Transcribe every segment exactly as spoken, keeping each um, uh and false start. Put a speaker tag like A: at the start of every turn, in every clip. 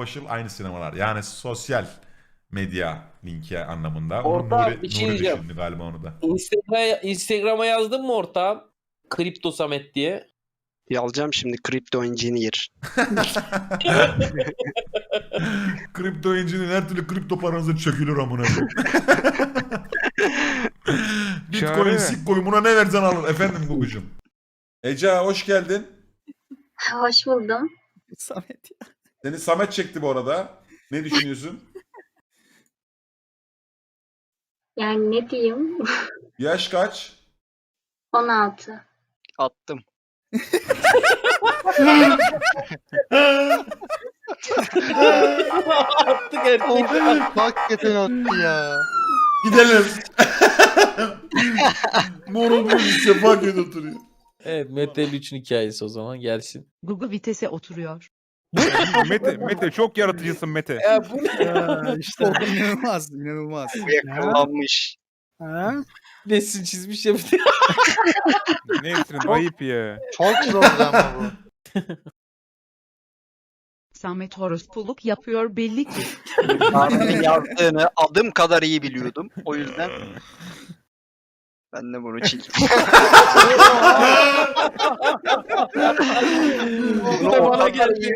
A: social aynı sinemalar. Yani sosyal medya linki anlamında.
B: Orta
A: Onu Nuri,
B: bir şey
A: Nuri
B: diyeceğim.
A: düşündü galiba onu da.
B: Instagram'a, Instagram'a yazdın mı ortağım? Kripto Samet diye.
C: Yazacağım şimdi Crypto Engineer.
A: Kripto engine'in her türlü kripto paranızı çökülür amına. Bitcoin,
D: Çağrı.
A: Sitcoin buna ne versen alır. Efendim Gugucuğum. Ece hoş geldin.
E: Hoş buldum.
D: Samet ya.
A: Seni Samet çekti bu arada. Ne düşünüyorsun?
E: Yani ne diyeyim?
A: Yaş kaç?
E: on altı.
C: Attım.
B: Attık erkekler.
F: Hakikaten attı ya.
A: Gidelim. Morun bir sefa kötü oturuyor.
B: Evet Mete üçün hikayesi o zaman gelsin.
G: Google vitese oturuyor.
D: Mete, Mete çok yaratıcısın Mete.
B: Ya bu ne?
H: Ya işte inanılmaz, inanılmaz.
C: Bu yakalanmış.
H: Ha?
B: Nesin çizmiş ya bir de.
D: Ne etsin ayıp ya.
F: Çok zor ama bu.
G: Samet horospuluk yapıyor belli ki.
C: Tarih'in yazdığını adım kadar iyi biliyordum. O yüzden ben de bunu çektim.
B: Bu da bana geldi.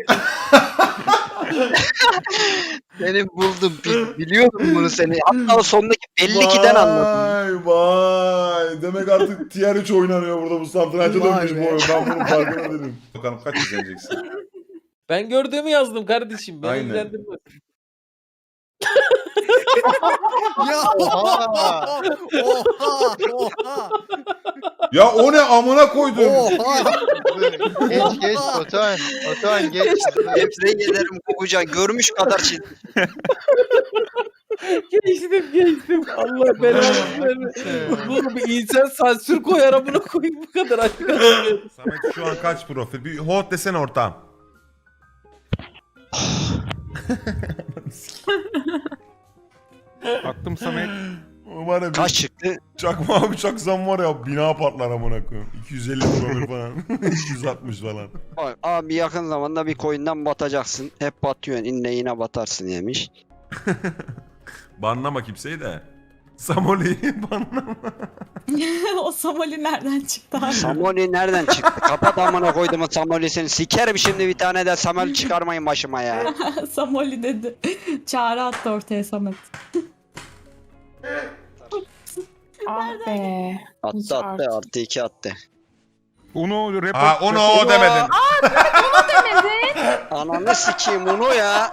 C: Seni buldum. Bil- Biliyordum bunu seni. Hatta o sondaki belli ki'den anladım.
A: Vay vay. Demek artık tier üç oynanıyor burada bu satranca
H: Vay
A: dönmüş
H: be.
A: bu oyun. Ben bunun farkına değilim. Bakalım kaç izleneceksin?
B: Ben gördüğümü yazdım kardeşim. Beni
A: Aynen.
B: ilgilendirmez.
H: Ya
F: Oha!
H: oha oha
A: Ya o ne amına koydum.
H: oha.
F: Geç geç Otan. Otan geç.
C: Tebrik ederim Kukucan. Görmüş kadar çizdim.
B: Geçtim geçtim. Allah belanı vermesin. Bu bir insan sansür koyar amına koyayım bu kadar arkadaşlar.
A: Samet şu an kaç profil? Bir hot desene ortağım.
D: Baktım Samet.
A: Var ya
C: Kaç
A: bir
C: çıktı?
A: çakma abi çaksam var ya bina patlar amına koyayım. iki yüz elli profil falan. iki yüz altmış falan.
C: Bak, abi yakın zamanda bir coin'den batacaksın. Hep batıyorsun. İnne yine batarsın yemiş.
A: Banlama kimseyi de. Samoli'yi banlama.
I: O Somali nereden çıktı abi?
C: Samoli nereden çıktı? Kapat amına koydum o Samoli'sini. Sikerim şimdi bir tane de Samoli çıkarmayın başıma ya.
I: Somali dedi. Çağrı attı ortaya Samet. Ah be. Hiç
C: Attı attı
I: artık.
C: artı iki attı.
D: Uno report.
A: Ha onu o demedin.
C: Ananı sikeyim onu ya.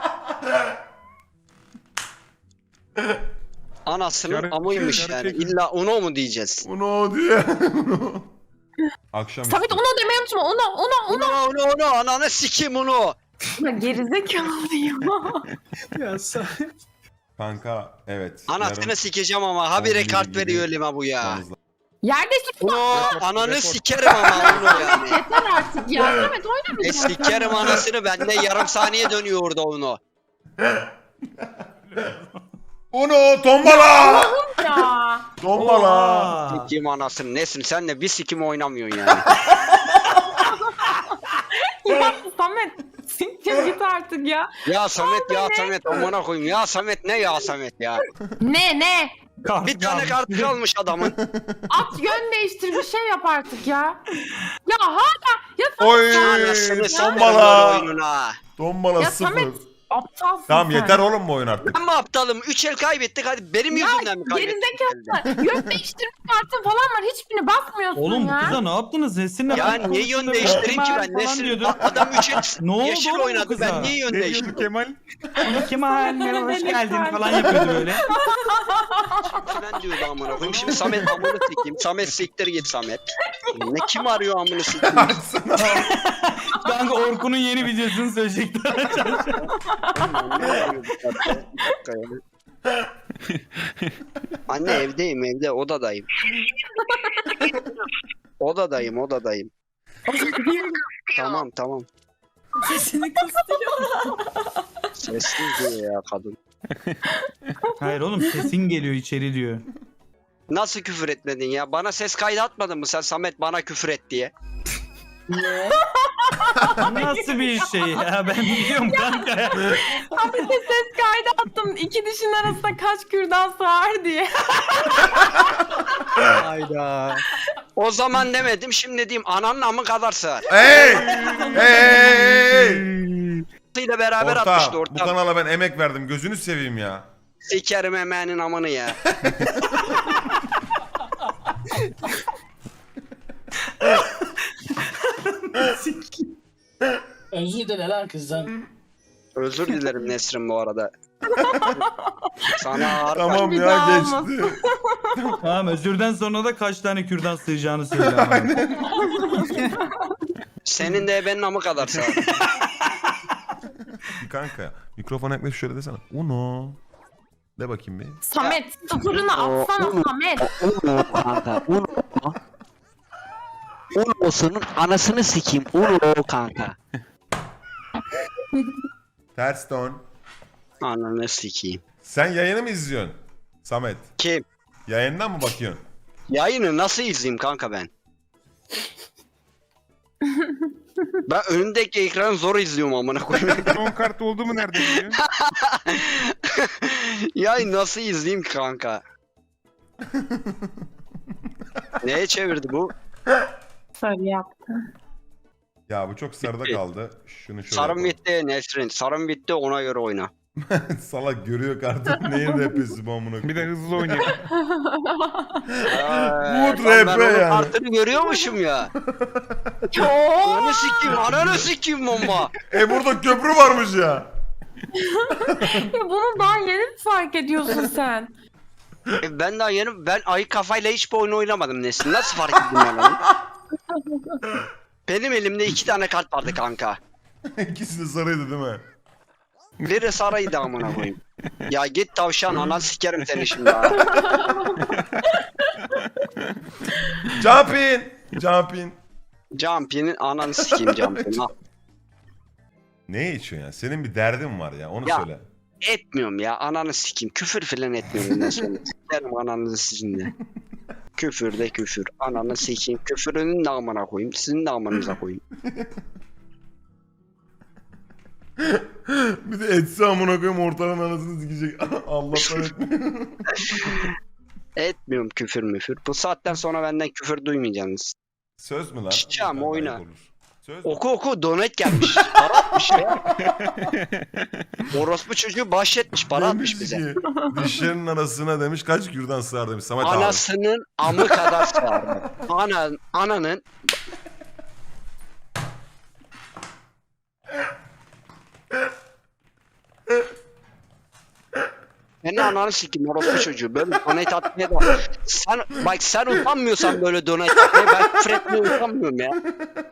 C: Anasının
D: Yarı-
C: amıymış
D: yarı
C: yani.
D: çekim.
C: İlla onu mu diyeceğiz?
A: Onu o diye. Akşam
I: Samet
A: üstü.
I: onu demeyi unutma. Onu onu
C: Onu onu onu ananı sikeyim onu.
I: onu. Gerizekalı ya.
H: Ya Samet.
A: Kanka evet.
C: Anasını sikeceğim ama habire
A: on bir
C: kart
A: gibi
C: veriyor elime bu ya.
A: yapmamız lazım.
I: Yerde çıkma.
C: Onu ananı sikerim ama onu yani.
I: Yeter artık ya. Samet
C: E
I: oynamayacağım.
C: sikerim anasını ben de yarım saniye dönüyor orada onu.
A: Onu tombala.
I: Ya.
A: Tombala.
C: Sikeyim anasını nesin sen de bir sikim oynamıyorsun yani.
I: Ya Samet. Siktir git artık ya.
C: Ya Samet ya Samet amına koyayım ya Samet ne ya Samet ya.
I: Ne ne?
C: Bir tane kart kalmış adamın.
I: At yön değiştir bir şey yap artık ya. Ya hala. Ya Samet.
A: Oy
C: Anasını sikeyim
A: tombala.
C: oyununa.
A: Tombala
I: Ya
A: sıfır.
I: Samet. Aptalsın
A: Tamam
I: sen.
A: yeter oğlum bu oyun artık.
C: Ben mi aptalım? üç el kaybettik hadi benim
I: Ya
C: yüzümden mi kaybettik?
I: gerizekalı. Yön değiştirme kartın falan var. Hiçbirine basmıyorsun
H: Oğlum bu
I: ya.
H: kıza ne yaptınız? Nesinle
C: Ya niye yön değiştireyim ki ben? Nesin? Adam üç el
H: Ne oldu
C: yeşil
H: oğlum bu
C: oynadı
H: kıza?
C: ben niye yön
D: Ne diyordu
C: değiştireyim?
D: Kemal?
H: Ona Kemal merhaba hoş geldin falan yapıyordu böyle.
C: Falan diyordu amına koyayım. Şimdi Samet amını sikeyim. Samet siktir git Samet. Ne kim arıyor amını sikeyim?
H: Kanka Orkun'un yeni videosunu söyleyecekler.
C: Anne evdeyim evde odadayım. Odadayım odadayım. Tamam tamam.
I: Sesini kıstırıyor.
C: Sessiz diyor ya kadın.
H: Hayır oğlum sesin geliyor içeri diyor.
C: Nasıl küfür etmedin ya? Bana ses kaydı atmadın mı sen Samet bana küfür et diye?
H: Nasıl bir şey ya? Ben biliyorum kanka ya.
I: Abi de ses kaydı attım. İki dişin arasında kaç kürdan sığar diye.
C: Hayda. O zaman demedim şimdi diyeyim ananın amı kadar sığar.
A: Hey! Hey! Hey! hey!
C: ile beraber atmıştı
A: Orta, bu
C: ortam.
A: kanala ben emek verdim. Gözünü seveyim ya.
C: Sikerim emeğinin amını ya.
B: Özür dile lan kızdan.
C: Özür dilerim Nesrin bu arada. Sana ağır
A: Tamam
I: Bir
A: ya
I: daha
A: geçti.
H: Tamam özürden sonra da kaç tane kürdan sığacağını söyle ama.
C: Senin de ebenin amı kadar sağır.
A: Kanka mikrofona yaklaşıp şöyle desene. Uno. De bakayım bir.
I: Samet sıfırını atsana Samet.
C: Uno kanka. Uno. Uno'sunun anasını sikeyim. Uno kanka.
A: Ters ton.
C: Ananı sikeyim.
A: Sen yayını mı izliyorsun? Samet.
C: Kim?
A: Yayından mı bakıyorsun?
C: Yayını nasıl izleyeyim kanka ben? Ben önündeki ekranı zor izliyorum amına koyayım.
D: Son kart oldu mu nerede biliyorsun?
C: Yayını nasıl izleyeyim kanka? Neye çevirdi bu?
I: Sarı yaptı.
A: Ya bu çok sarıda kaldı. Şunu şöyle
C: Sarım
A: yapalım.
C: bitti Nesrin. Sarım bitti ona göre oyna.
A: Salak görüyor kartın neyin rapesi bu amına koyayım.
D: Bir de hızlı oynayayım.
C: Good
A: rap
C: ben
A: be
C: onun
A: yani.
C: kartını görüyormuşum ya.
I: Oo.
C: Ananı sikeyim, ananı sikeyim bomba.
A: E burada köprü varmış ya.
I: Ya bunu daha yeni mi fark ediyorsun sen?
C: E ben daha yeni, ben ayı kafayla hiçbir oyun oynamadım Nesrin. Nasıl fark ettin ben onu? Benim elimde iki tane kart vardı kanka.
A: İkisi de sarıydı değil mi?
C: Biri saraydı amına koyayım. Ya git tavşan anan sikerim seni şimdi ha.
A: Jump in. Jump in.
C: Jumpy'nin ananı sikeyim Jumpy'nin. Ha.
A: Ne içiyorsun ya? Senin bir derdin var ya onu
C: Ya.
A: söyle.
C: Etmiyorum ya ananı sikeyim. Küfür filan etmiyorum bundan sonra. Sikerim ananızı sizin de. Küfür de küfür. Ananı sikeyim. Küfürünün de amına koyayım. Sizin de amanıza koyayım.
A: Bir de etse amına koyayım ortadan anasını sikecek. Allah'tan etmiyor.
C: Etmiyorum küfür müfür. Bu saatten sonra benden küfür duymayacaksınız.
A: Söz mü lan?
C: Çiçeğim,
A: Ayıp
C: oyna.
A: olur. Söz mü?
C: Oku oku donate gelmiş. Para atmış ya. Orospu çocuğu bahşetmiş. Para atmış
A: Demiş
C: bize.
A: ki, dişlerinin arasına demiş kaç kürdan sığar demiş Samet abi.
C: Anasının amı kadar sağır. Ana, ananın Senin ananı sikeyim orospu çocuğu. Böyle donate atmaya da... Sen, bak sen utanmıyorsan böyle donate atmaya ben küfür etmeye utanmıyorum ya.